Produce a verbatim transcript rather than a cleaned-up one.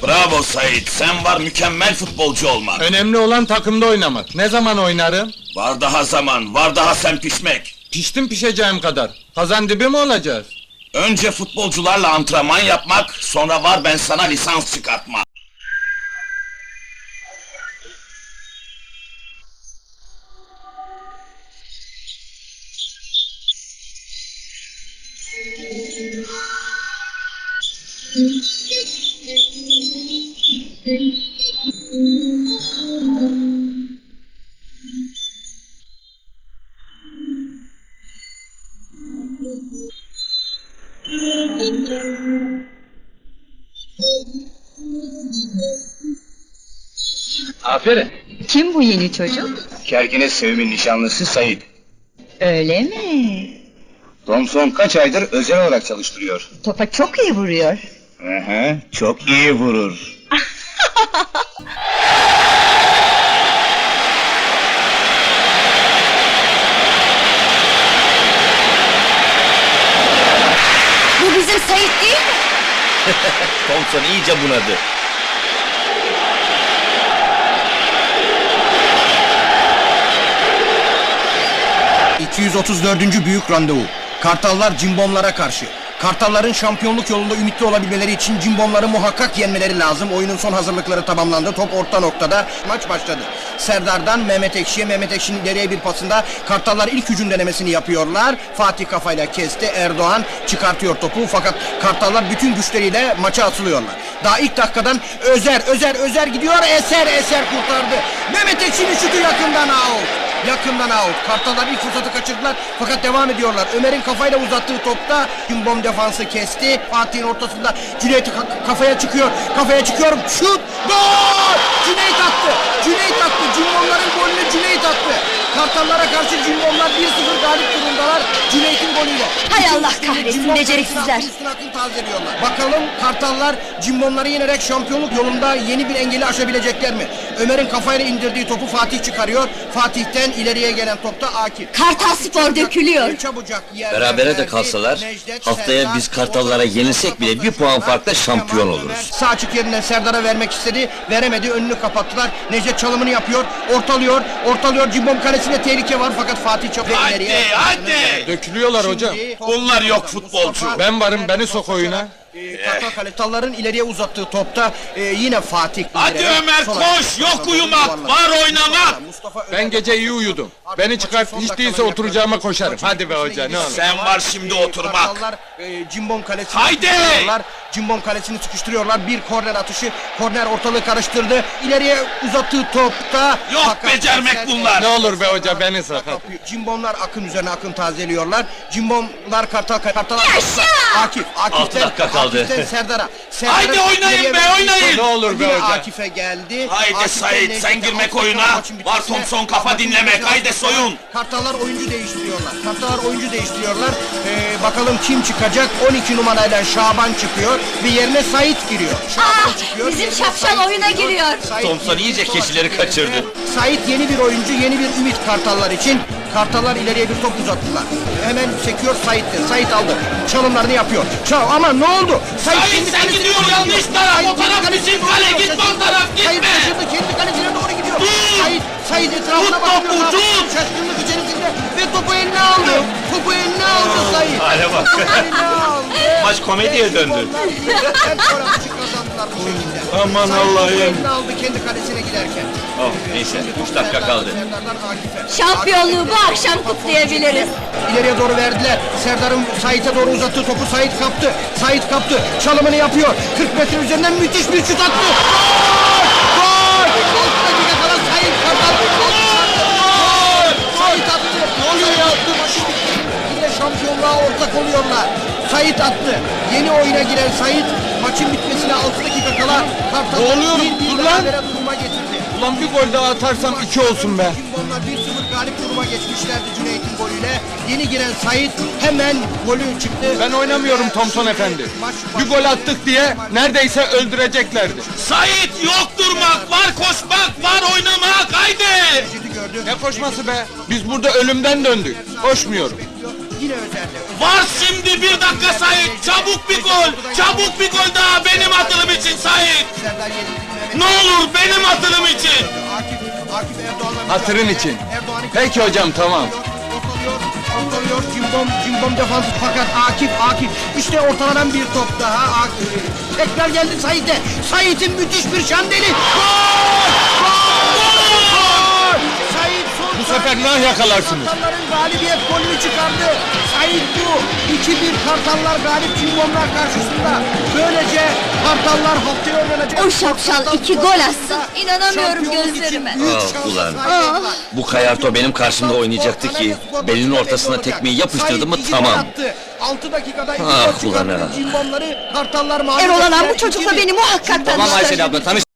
Bravo Sait, sen var mükemmel futbolcu olmak. Önemli olan takımda oynamak. Ne zaman oynarım? Var daha zaman, var daha sen pişmek. Piştim pişeceğim kadar. Kazan dibi mi olacağız? Önce futbolcularla antrenman yapmak, sonra var ben sana lisans çıkartmak. Aferin. Kim bu yeni çocuk? Kerkine Sevim'in nişanlısı Sait. Öyle mi? Thompson kaç aydır özel olarak çalıştırıyor. Topa çok iyi vuruyor. Hı hı, çok iyi vurur. Bu bizim Sait değil mi? Thompson iyice bunadı. iki yüz otuz dördüncü büyük randevu. Kartallar Cimbomlara karşı. Kartalların şampiyonluk yolunda ümitli olabilmeleri için Cimbomları muhakkak yenmeleri lazım. Oyunun son hazırlıkları tamamlandı. Top orta noktada. Maç başladı. Serdar'dan Mehmet Ekşi'ye, Mehmet Ekşi'nin ileriye bir pasında Kartallar ilk hücum denemesini yapıyorlar. Fatih kafayla kesti. Erdoğan çıkartıyor topu. Fakat Kartallar bütün güçleriyle maça atılıyorlar. Daha ilk dakikadan Özer, Özer, Özer gidiyor. Eser, Eser kurtardı. Mehmet Ekşi'nin şutu yakından out. Yakından out. Kartallar ilk fırsatı kaçırdılar fakat devam ediyorlar. Ömer'in kafayla uzattığı topta Cimbom defansı kesti. Fatih'in ortasında Cüneyt ka- kafaya çıkıyor. Kafaya çıkıyor. Şut! Gol! Cüneyt attı. Cüneyt attı. Cimbomların golünü Cüneyt attı. Kartallara karşı Cimbomlar bir sıfır galip durumdalar. Cüneyt'in golüyle. Hay Allah İkinci kahretsin, Cimbom beceriksizler. kalesine üstün akıl tazeliyorlar. Bakalım Kartallar Cimbomları yenerek şampiyonluk yolunda yeni bir engeli aşabilecekler mi? Ömer'in kafayla indirdiği topu Fatih çıkarıyor. Fatih'ten ileriye gelen topta Akif. Kartal Spor dökülüyor. Çabucak yerden Berabere de verdi. kalsalar, Necdet, haftaya Serdar, biz Kartallara yenilsek bile bir puan farkla şampiyon oluruz. Sağ açık yerinden Serdar'a vermek istedi. Veremedi. Önünü kapattılar. Necdet çalımını yapıyor. Ortalıyor. Ortalıyor. Cimbom kalesinde tehlike var fakat Fatih çok Hadi, ileriye. hadi! Dökülüyorlar hocam. Bunlar yok futbolcu. Ben varım, beni sok oyuna. Ee, Kartal Kartalların ileriye uzattığı topta e, yine Fatih. Hadi ileriye, Ömer, sol koş! ayağı, Yok yuvarlak, uyumak, yuvarlak. var oynamak! Mustafa Ben Ömer- gece iyi uyudum. Beni çıkart, hiç değilse oturacağıma koşarım. Hadi be hoca, ne olur. Sen var şimdi Ee, oturmak. Kartallar e, Cimbom kalesini Haydi! sıkıştırıyorlar. Cimbom kalesini sıkıştırıyorlar. Bir korner atışı. Korner ortalığı karıştırdı. İleriye uzattığı topta. Yok fakat becermek Eser- bunlar. Ne olur be hoca, beni sok. hadi. Cimbomlar akın üzerine akın tazeliyorlar. Cimbomlar Kartal Kartallar. Yaşa! Akif, Akif'ten, Altı dakika kaldı. Akif'ten Serdar'a. Serdar'a Haydi oynayın ileriye be, verdiği oynayın! top Ne olur be yine hoca. Akif'e geldi. Haydi Akif'ten Sait, Necdet'e, sen girmek Akif'ten oyuna, maçın var bitmesine, Thompson kafa maçın dinlemek, bitmesine haydi Akif'ten soyun! Kartallar oyuncu değiştiriyorlar. Kartallar oyuncu değiştiriyorlar. Ee, bakalım kim çıkacak? on iki numarayla Şaban çıkıyor ve yerine Sait giriyor. Şaban Ah, çıkıyor. bizim yerine şapşal Sait oyuna giriyor. Sait Thompson giriyor. iyice Sol keçileri açık yerinde. kaçırdı. Sait yeni bir oyuncu, yeni bir ümit Kartallar için. Kartallar ileriye bir top uzattılar. Hemen sekiyor Sait'te. Sait aldı. Çalımlarını yapıyor. Çal ama ne oldu? Sait, kendi sen kalesine gidiyor, doğru yanlış gidiyor. taraf, Sait o taraf kendi kalesine bizim doğru kale, gidiyor. gitme o Şaşırdı. taraf, Sait gitme. şaşırdı, kendi kalesine doğru gidiyor. Dur! Sait, Sait etrafına Tut bakıyor. topu, tut! Şaşkınlık içerisinde ve topu eline aldı. Topu eline aldı Sait. Hale bak. Topu eline aldı. Maç komediye döndü. Onlar birden gol atışı kazandılar bu şekilde. Aman Sait Allah'ım. topu eline aldı kendi kalesine giderken. Oh neyse, üç dakika kaldı. Serdar'dan Akif'e. Şampiyonluğu bu akşam kutlayabiliriz. İleriye doğru verdiler. Serdar'ın Sait'e doğru uzattığı topu Sait kaptı. Sait kaptı. Çalımını yapıyor. kırk metre üzerinden müthiş bir şut attı. Gol! Gol! altı dakika kala Sait Kartal. Gol! Sait attı. Ne oluyor ya? Yine şampiyonluğa ortak oluyorlar. Sait attı. Yeni oyuna giren Sait maçın bitmesine altı dakika kala Kartal Ne oluyor? bir bir Dur lan! berabere duruma getirdi. Ulan bir gol daha atarsam iki olsun be. Cimbomlar bir sıfır galip duruma geçmişlerdi Cüneyt'in golüyle. Yeni giren Sait hemen golü çıktı. Ben oynamıyorum Thompson efendi. Bir gol attık diye neredeyse öldüreceklerdi. Sait, yok durmak, var koşmak, var oynamak, haydi! Necdet'i gördü. Ne koşması be? Biz burada ölümden döndük. Koşmuyorum. Yine özelde. Var şimdi bir dakika Sait. Çabuk bir gol. Çabuk bir gol daha benim atılım için Sait. Serdar Yenilik, Mehmet- Ne olur benim atılım için. Akif, Akif Erdoğan'la... Hatırın için. Erdoğan'ı- Peki hocam, tamam. Ortalıyor, ortalıyor, cimbom, cimbom defansı fakat Akif, Akif. İşte ortalanan bir top daha Akif. Tekrar geldi Sait'e. Sait'in müthiş bir şandeli. Gol! Gol! Sait son Bu sefer saniye- nah yakalarsınız. Kartalların galibiyet golünü çıkardı. Sait bu. iki bir Kartallar galip cimbomlar karşısında. Böylece Kartallar haftaya oynanacak. O şapşal iki gol atsın, inanamıyorum Şampiyonluk gözlerime. için büyük Ah, şansa ulan. sahip oldular. Bu Kayarto benim karşımda oynayacaktı ki belinin ortasına tekmeyi yapıştırdı mı Sait iki gol tamam. attı. altı dakikada iki Ah, gol ulan çıkarttı. ha. Cimbomları Kartallar mağlup Erol Alan ettiler. bu çocukla İki bir. beni muhakkak Cimbomlar- tanıştır. abla, tanış.